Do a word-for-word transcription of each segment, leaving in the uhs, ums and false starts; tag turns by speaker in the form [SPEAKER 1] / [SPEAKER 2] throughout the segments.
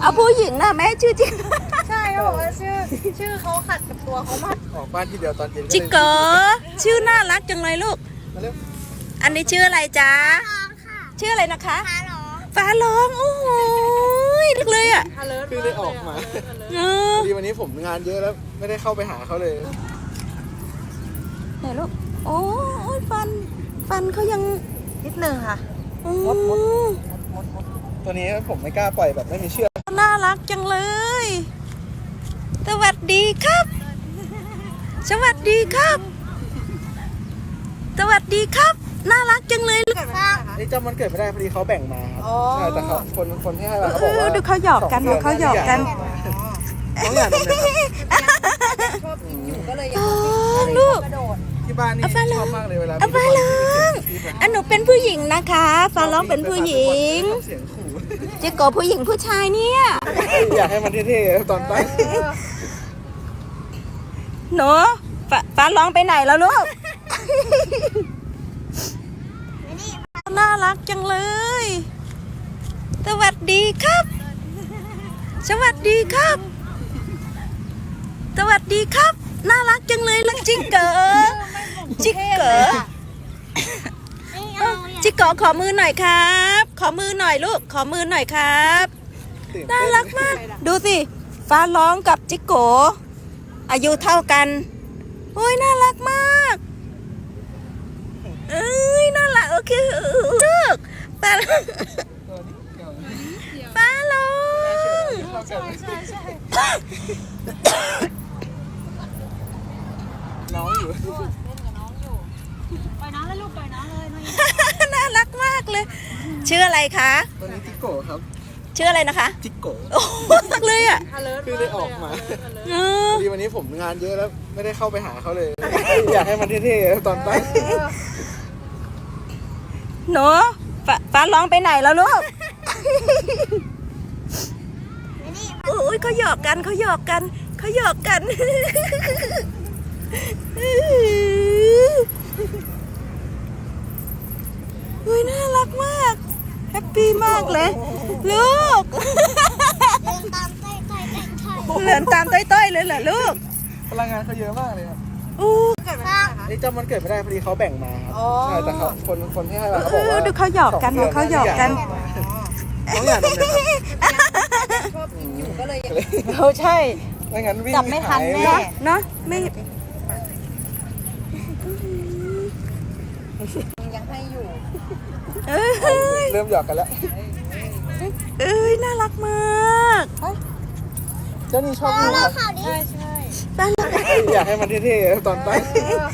[SPEAKER 1] เอาผู้หญิงนะแม่ชื่อจริง
[SPEAKER 2] ใช่เขาบอกว่าชื่อชื่อเขาขัดกับตัวเขามาก
[SPEAKER 3] ออกบ้านทีเดียวตอนเย็น
[SPEAKER 1] จิโกชื่อน่ารักจังเลยลูกอันนี้ชื่ออะไรจ๊ะชื่ออะไรนะคะฟ้าร้องฟ้าร้องโอ้โหลึกเลยอ่ะ
[SPEAKER 3] คือได้ออกมาพอดีวันนี้ผมงานเยอะแล้วไม่ได้เข้าไปหาเขาเลย
[SPEAKER 1] ไหนลูกโอ้ยฟันฟันเขายัง
[SPEAKER 2] นิดนึงค่ะ
[SPEAKER 3] มดมดมดมดตัวนี้ผมไม่กล้าปล่อยแบบไม่มีเชือก
[SPEAKER 1] น่ารักจังเลยสวัสดีครับสวัสดีครับสวัสดีครับน่ารักจังเลยลูก
[SPEAKER 3] นี่จำมันเกิดไม่ได้พอดีเขาแบ่งมาครับใช่แต่เขาคนคนที่ให้มาเขาบอกว่า
[SPEAKER 1] ดูเขาหยอกกันเขาหยอกกัน
[SPEAKER 3] น้องอยากนมเลยครับ
[SPEAKER 2] ชอบกินอยู่ก็เลยอย
[SPEAKER 1] ากลูก
[SPEAKER 3] ที่บ้านนี่ชอบมากเลยเวลา
[SPEAKER 1] ฟ้าร้องอันหนูเป็นผู้หญิงนะคะฟ้าร้องเป็นผู้หญิง
[SPEAKER 3] เสียงขู่
[SPEAKER 1] จิโกผู้หญิงผู้ชายเนี่ย
[SPEAKER 3] อยากให้มันเท่ๆตอนตั้ง
[SPEAKER 1] หนูฟ้าร้องไปไหนแล้วลูกน่ารักจังเลยสวัสดีครับสวัสดีครับสวัสดีครับน่ารักจังเลยลังจิกเก๋จิกเก๋จิกเก๋ขอมือหน่อยครับขอมือหน่อยลูกขอมือหน่อยครับน่ารักมากดูสิฟ้าร้องกับจิกโกอายุเท่ากันโอ้ยน่ารักมากเอ้ยน่ารักโอเคลูกฟ้าฟ้าร้อง
[SPEAKER 2] ใช่ใช่ใช่
[SPEAKER 3] น้องอยู่
[SPEAKER 2] เล่นกับน้องอยู่ปล่อยน้องเลยลูกปล่อยน้องเลย
[SPEAKER 1] น่ารักมากเลยชื่ออะไรคะ
[SPEAKER 3] ตัวนี้จิโกครับ
[SPEAKER 1] ชื่ออะไรนะคะ
[SPEAKER 3] จิโก
[SPEAKER 1] โอ้รักเลยอ่ะ
[SPEAKER 3] คือได้ออกมาพอดีวันนี้ผมงานเยอะแล้วไม่ได้เข้าไปหาเขาเลยอยากให้มันเท่ๆตอนตั้ง
[SPEAKER 1] หนูฟ้าร้องไปไหนแล้วลูกโอ้ยเขาหยอกกันเขาหยอกกันเขาหยอกกันเฮ้ยน่ารักมากแฮปปี้มากเลยลูกเหลือนตามต้อยๆเลยเหรอลูก
[SPEAKER 3] พลังงานเขาเยอะมากเลยครับ
[SPEAKER 1] อู้
[SPEAKER 3] นี่จำมันเกิดไม่ได้พอดีเขาแบ่งมาครับใช่แต่เขาคนคนที่ให้มาเขาบอกว่า
[SPEAKER 1] ดูเขาหยอกกันเขาหยอกกัน
[SPEAKER 3] น้องอยากนมเลยครับ
[SPEAKER 2] ชอบกินอยู่ก็เลย
[SPEAKER 1] เขาใช่
[SPEAKER 3] ไม่งั้นวิ่ง
[SPEAKER 2] จับไม่ทันแน่
[SPEAKER 1] เนาะไม่
[SPEAKER 2] ยังให้อยู่
[SPEAKER 3] เริ่มหยอกกันแล้ว
[SPEAKER 1] เอ้ยน่ารักมาก
[SPEAKER 3] เจ้านี่ชอบดูครับ
[SPEAKER 2] ใช่ใช่
[SPEAKER 3] อยากให้มันเท่ๆตอนตั้ง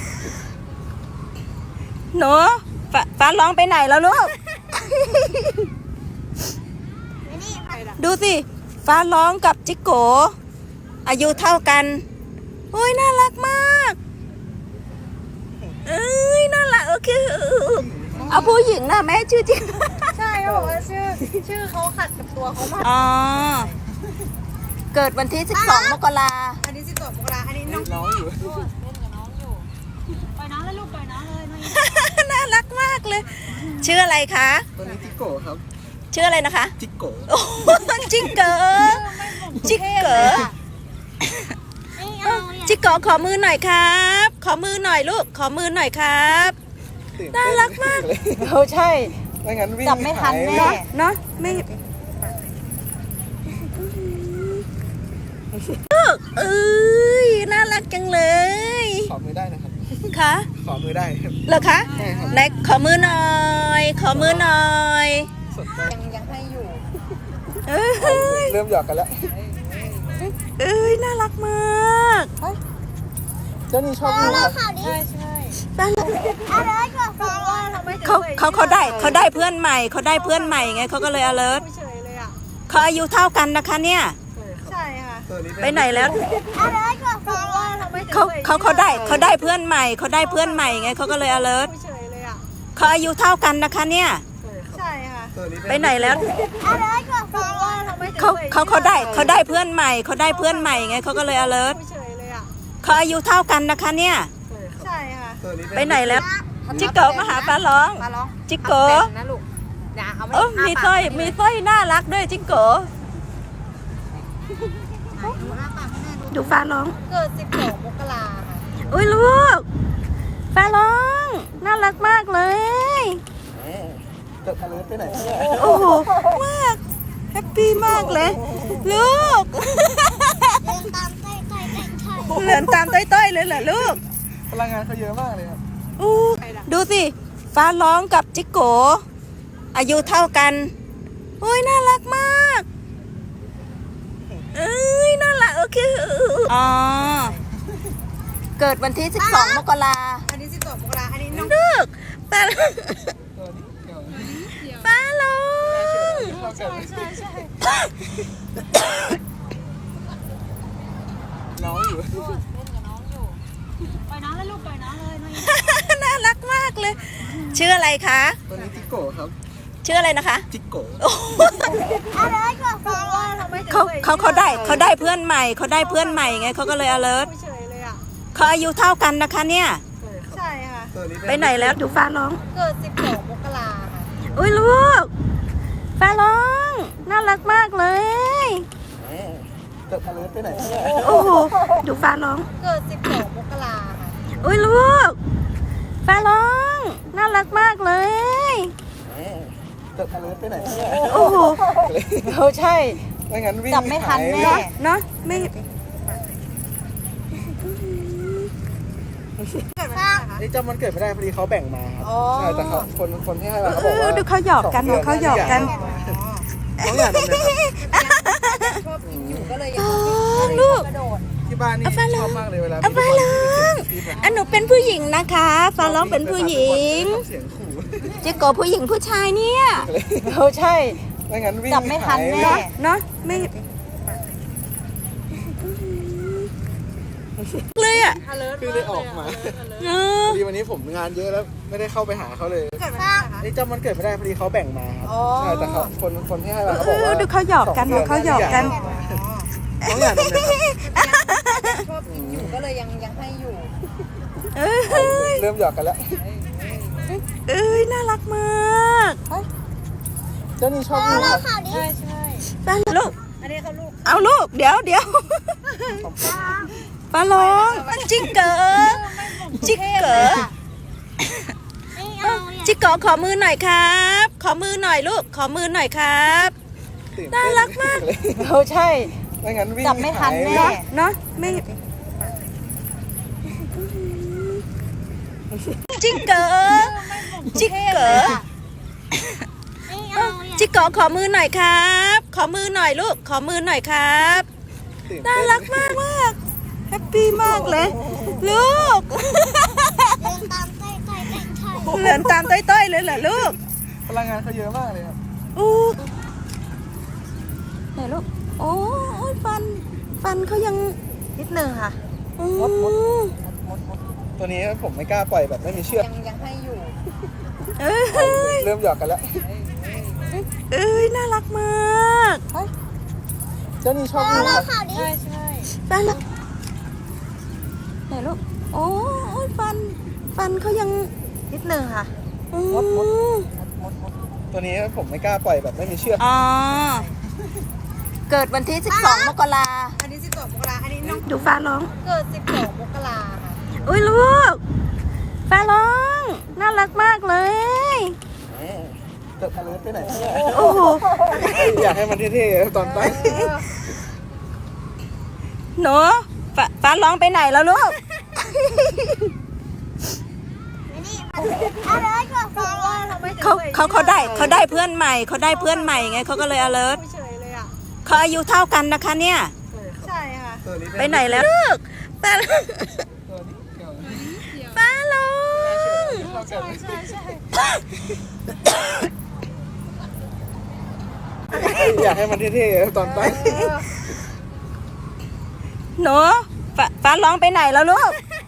[SPEAKER 1] หนูฟ้าร้องไปไหนแล้วลูกดูสิฟ้าร้องกับจิโกอายุเท่ากันโอ้ยน่ารักมากเอ้ยน่ารักโอเคเอาผู้หญิงนะแม่ชื่อจริง
[SPEAKER 2] ใช่เขาบอกว่าชื่อชื่อเขาขัดกับตัวเขามาก
[SPEAKER 1] อ๋อเกิดวันที่สิบสองมกรา
[SPEAKER 2] อันนี้สิบสองมกราอันนี้น้อง
[SPEAKER 3] น้องอยู่
[SPEAKER 2] เล่นกับน้องอยู่ปล่อยน้องเลยลูกปล่อยน้องเลย
[SPEAKER 1] น่ารักมากเลยชื่ออะไรคะ
[SPEAKER 3] ตัวนี้จิโกครับ
[SPEAKER 1] ชื่ออะไรนะคะ
[SPEAKER 3] จิโก
[SPEAKER 1] โอ้จิกเก๋จิกเก๋จิกเก๋ขอมือหน่อยครับขอมือหน่อยลูกขอมือหน่อยครับน่ารักมากเขาใช่
[SPEAKER 3] ไม่งั้นวิ่ง
[SPEAKER 2] จับไม่ทันแน่
[SPEAKER 1] เนาะไม่เอ้ยน่ารักจังเลย
[SPEAKER 3] ขอมือได้นะครับ
[SPEAKER 1] คะ
[SPEAKER 3] ขอมือได้
[SPEAKER 1] เหรอคะไหนขอมือหน่อยขอมือหน่อย
[SPEAKER 2] ยังยังให้อยู่
[SPEAKER 3] เริ่มหยอกกันแล้ว
[SPEAKER 1] เอ้ยน่ารักมาก
[SPEAKER 3] เจ้านี่ชอบดูครับ
[SPEAKER 2] ใช่ใช่
[SPEAKER 1] เขาเขาเขาได้เขาได้เพื่อนใหม่เขาได้เพื่อนใหม่ไงเขาก็เลย alert เขาอายุเท่ากันนะคะเนี่ย
[SPEAKER 2] ใช่ค่ะ
[SPEAKER 1] ไปไหนแล้วเขาเขาเขาได้เขาได้เพื่อนใหม่เขาได้เพื่อนใหม่ไงเขาก็เลย alert เขาอายุเท่ากันนะคะเนี่ย
[SPEAKER 2] ใช่ค่ะ
[SPEAKER 1] ไปไหนแล้วเขาเขาเขาได้เขาได้เพื่อนใหม่เขาได้เพื่อนใหม่ไงเขาก็เลย alert เขาอายุเท่ากันนะคะเนี่ย
[SPEAKER 2] ใช่ค่ะ
[SPEAKER 1] ไปไหนแล้วจิโกมาหาฟ้าร้องจิโก
[SPEAKER 2] นะลูก
[SPEAKER 1] เออมีสร้อยมีสร้อยน่ารักด้วยจิโกดูฟ้าร้อง
[SPEAKER 2] เกิดสิบสองมกราค่ะ
[SPEAKER 1] อุ้ยลูกฟ้าร้อง น่ารักมากเลย
[SPEAKER 3] เกิดอะไรไปไหน
[SPEAKER 1] โอ้โห มาก แฮปปี้มากเลย ลูก เหลือนตามต้อยๆเลยเหรอลูก
[SPEAKER 3] พลังงานเขาเยอะมากเลยครับ
[SPEAKER 1] อู้ดูสิ ฟ้าร้องกับจิโกอายุเท่ากันโอ้ยน่ารักมาก เอ้ย น่ารัก โอเคอ๋อ เกิดวันที่สิบสองมกรา
[SPEAKER 2] อันนี้สิบสองมกราอันนี้น้อง
[SPEAKER 1] ลูกฟ้า
[SPEAKER 3] ตัวนี้เดี๋ยว
[SPEAKER 1] ฟ้าร้อง
[SPEAKER 3] เราเกิด
[SPEAKER 2] ใช่ใช่
[SPEAKER 3] น้องอยู่
[SPEAKER 2] ปล่อยน้องเลยลูกปล่อยน้องเลยน้อง
[SPEAKER 1] น่ารักมากเลย ชื่ออะไรคะ
[SPEAKER 3] ตัวนี้จิโก้ครับ
[SPEAKER 1] ชื่ออะไรนะคะ
[SPEAKER 3] จิโก้
[SPEAKER 2] อะไรก็ฟังว่าทำไมถึง
[SPEAKER 1] เขาเขาเขาได้เขาได้เพื่อนใหม่เขาได้เพื่อนใหม่ไงเขาก็เลย alert
[SPEAKER 2] เฉยเลยอ่ะ
[SPEAKER 1] เขาอายุเท่ากันนะคะเนี่ย
[SPEAKER 2] ใช่ค่ะ
[SPEAKER 3] ตัวนี้
[SPEAKER 1] ไปไหนแล้วดูฟ้าร้อง
[SPEAKER 2] เกิดสิบสองมกราค่ะ
[SPEAKER 1] อุ้ยลูกฟ้าร้อง น่ารักมากเลย
[SPEAKER 3] เกิดอะไรไปไหน
[SPEAKER 1] โอ้โห ดูฟ้าร้อง
[SPEAKER 2] เกิดสิบสองมกราค่ะ
[SPEAKER 1] อุ้ยลูกฟ้าร้อง น่ารักมากเลย
[SPEAKER 3] เกิดอะไรไปไหน
[SPEAKER 1] โอ้โห
[SPEAKER 2] เขาใช่
[SPEAKER 3] ไม่งั้นวิ่ง
[SPEAKER 2] จับไม่ทันแน่
[SPEAKER 1] เนาะเนาะไม่
[SPEAKER 2] เกิดวันไหนคะ
[SPEAKER 3] นี่จำมันเกิดไม่ได้พอดีเขาแบ่งมาครับ
[SPEAKER 2] อ๋อ
[SPEAKER 3] ใช่แต่เขาคนคนที่ให้มาเขา
[SPEAKER 1] เอ
[SPEAKER 3] บอก
[SPEAKER 1] อ
[SPEAKER 3] ว่า
[SPEAKER 1] ดูเขาหยอกกัน
[SPEAKER 3] สงดื
[SPEAKER 1] เขาหยอกกัน
[SPEAKER 3] น้องอยากนมนะครับ
[SPEAKER 2] ชอบกินอยู่ก็เลยยั
[SPEAKER 1] โอ้
[SPEAKER 2] ง
[SPEAKER 1] ลูก
[SPEAKER 2] กระโดด
[SPEAKER 3] ที่บ้านนี่
[SPEAKER 1] เอาฟ้า
[SPEAKER 3] ช
[SPEAKER 1] ร้อง
[SPEAKER 3] อบมากเลยเวลา
[SPEAKER 1] เอาฟ้าร้องอันหนูเป็นผู้หญิงนะคะฟ้าร้องเป็นผู้หญิง
[SPEAKER 3] เสียงขู่
[SPEAKER 1] จิโกผู้หญิงผู้ชายเนี่ย
[SPEAKER 2] เขาใช่
[SPEAKER 3] ไม่งั้นวิ่ง
[SPEAKER 2] จับไม่ทันแน่
[SPEAKER 3] หาย
[SPEAKER 1] เนาะไม่เลยอ่ะ
[SPEAKER 2] alert
[SPEAKER 3] คือเลยออกมา
[SPEAKER 1] เออ
[SPEAKER 3] พอดีวันนี้ผมงานเยอะแล้วไม่ได้เข้าไปหาเขาเลย
[SPEAKER 2] เกิดวันไหนคะ
[SPEAKER 3] นี่จำมันเกิดไม่ได้พอดีเขาแบ่งมาครับ
[SPEAKER 2] อ๋อ
[SPEAKER 3] ใช่แต่เขาคนคนที่ให้มาเขา
[SPEAKER 1] เอ
[SPEAKER 3] บอก
[SPEAKER 1] อ
[SPEAKER 3] ว่า
[SPEAKER 1] ดูเขาหยอกกัน
[SPEAKER 3] สงดื
[SPEAKER 1] เขาหยอกกัน
[SPEAKER 3] น้องอยากนมนะครับ
[SPEAKER 2] ชอบกินอยู่ก็เลยยังยังให้อยู่
[SPEAKER 1] เอ้ย
[SPEAKER 3] เริ่มหยอกกันแล้ว
[SPEAKER 1] เอ้ยน่ารักมาก
[SPEAKER 3] เจ้านี่ชอบดูครับ
[SPEAKER 2] ใช่ใช่
[SPEAKER 1] ฟ้าลูก
[SPEAKER 2] อันนี้เขาลูก
[SPEAKER 1] เอาลูกเดี๋ยวเดี๋ยวฟ้าร้องจิกเก๋อจิกเก๋อจิกเก๋อขอมือหน่อยครับ ขอมือหน่อยลูกขอมือหน่อยครับ
[SPEAKER 3] ตื่
[SPEAKER 1] น่ารักมาก
[SPEAKER 3] เลย
[SPEAKER 2] เขาใช่
[SPEAKER 3] ไม่งั้นวิ่ง
[SPEAKER 2] จับไม่ทัน
[SPEAKER 3] หาย
[SPEAKER 2] แน่
[SPEAKER 1] เนาะเนาะไม่จิกเก๋อจิกเก๋อจิกเก๋อขอมือหน่อยครับ ขอมือหน่อยลูกขอมือหน่อยครับ
[SPEAKER 3] ตื่
[SPEAKER 1] น่า
[SPEAKER 3] เต้
[SPEAKER 1] รักมากมากแฮปปี้มากเลย ลูกเหลือนตามต้อยๆเลยเหรอลูก
[SPEAKER 3] พลังงานเขาเยอะมากเลยครับ
[SPEAKER 1] อู้ไหนลูกโอ้ยฟัน ฟันเขายัง
[SPEAKER 2] นิดนึงค่ะ
[SPEAKER 1] อืม
[SPEAKER 3] ตัวนี้ผมไม่กล้าปล่อยแบบไม่มีเชือก
[SPEAKER 2] ยังยังให้อยู่
[SPEAKER 1] เอ้ย
[SPEAKER 3] เริ่มหยอกกันแล้ว
[SPEAKER 1] เอ้ยน่ารักมาก
[SPEAKER 3] เจ้านี่ชอบดูครับ
[SPEAKER 2] ใช่ใช่
[SPEAKER 1] ฟันไหนลูกโอ้ยฟัน ฟันเขายัง
[SPEAKER 2] นิดนึงค่ะ
[SPEAKER 1] อืม
[SPEAKER 3] ตัวนี้ผมไม่กล้าปล่อยแบบไม่มีเชือก
[SPEAKER 1] อ๋อเกิดวันที่สิบสองมกรา
[SPEAKER 2] อันนี้สิบสองมกราอันนี้น้อง
[SPEAKER 1] ดูฟ้าร้อง
[SPEAKER 2] เกิดสิบสองมกราค่ะ
[SPEAKER 1] อุ้ยลูกฟ้าร้อง น่ารักมากเลย
[SPEAKER 3] เกิดอะไรไปไหน
[SPEAKER 1] โอ้โห
[SPEAKER 3] อยากให้มันเท่ๆตอนตั้ง
[SPEAKER 1] หนูฟ้าฟ้าร้องไปไหนแล้วลูก เขาเขาเขาได้เขาได้เพื่อนใหม่เขาได้เพื่อนใหม่ไงเขาก็เลย alert
[SPEAKER 2] เฉยเลยอ่ะ
[SPEAKER 1] เขาอายุเท่ากันนะคะเนี่ย
[SPEAKER 2] ใช่ค่ะ
[SPEAKER 3] ตัวนี้
[SPEAKER 1] ไปไหนแล้วลูกฟ้า
[SPEAKER 3] ตัวนี้เดี๋ยว
[SPEAKER 1] ฟ้าร้อง
[SPEAKER 3] เราเกิด
[SPEAKER 2] ใช่ใช่
[SPEAKER 3] อยากให้มันเท่ๆตอนตั้ง
[SPEAKER 1] หนูฟ้าฟ้าร้องไปไหนแล้วลูก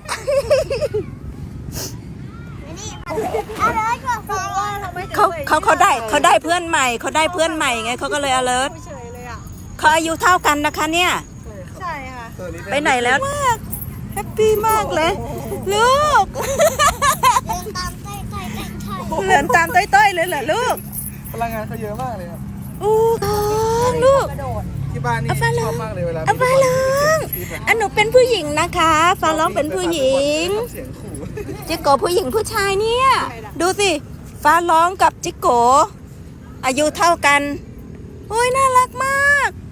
[SPEAKER 1] เขาเขาเขาได้เขาได้เพื่อนใหม่เขาได้เพื่อนใหม่ไงเขาก็เลย alert
[SPEAKER 2] เฉยเลยอ่ะ
[SPEAKER 1] เขาอายุเท่ากันนะคะเนี่ย
[SPEAKER 2] ใช่ค่ะ
[SPEAKER 3] ตัวนี้
[SPEAKER 1] ไปไหนแล้วมากแฮปปี้มากเลย ลูกเหลือนตามต้อยๆเลยเหรอลูก
[SPEAKER 3] พลังงานเขาเยอะมากเลยครับ
[SPEAKER 1] อู้ลูก
[SPEAKER 2] กระโดด
[SPEAKER 3] ที่บ้านนี่
[SPEAKER 1] เอาฟ้า
[SPEAKER 3] ช
[SPEAKER 1] ร้
[SPEAKER 3] อ
[SPEAKER 1] อบ ง
[SPEAKER 3] มากเลยเวลา
[SPEAKER 1] เอาฟ้าร้องอันหนูเป็นผู้หญิงนะคะฟ้าร้องเป็นผู้หญิง
[SPEAKER 3] เสียงขู่
[SPEAKER 1] จิโกะผู้หญิงผู้ชายเนี่ย ดูสิ ฟ้าร้องกับจิโกะอายุเท่ากันโอ้ยน่ารักมาก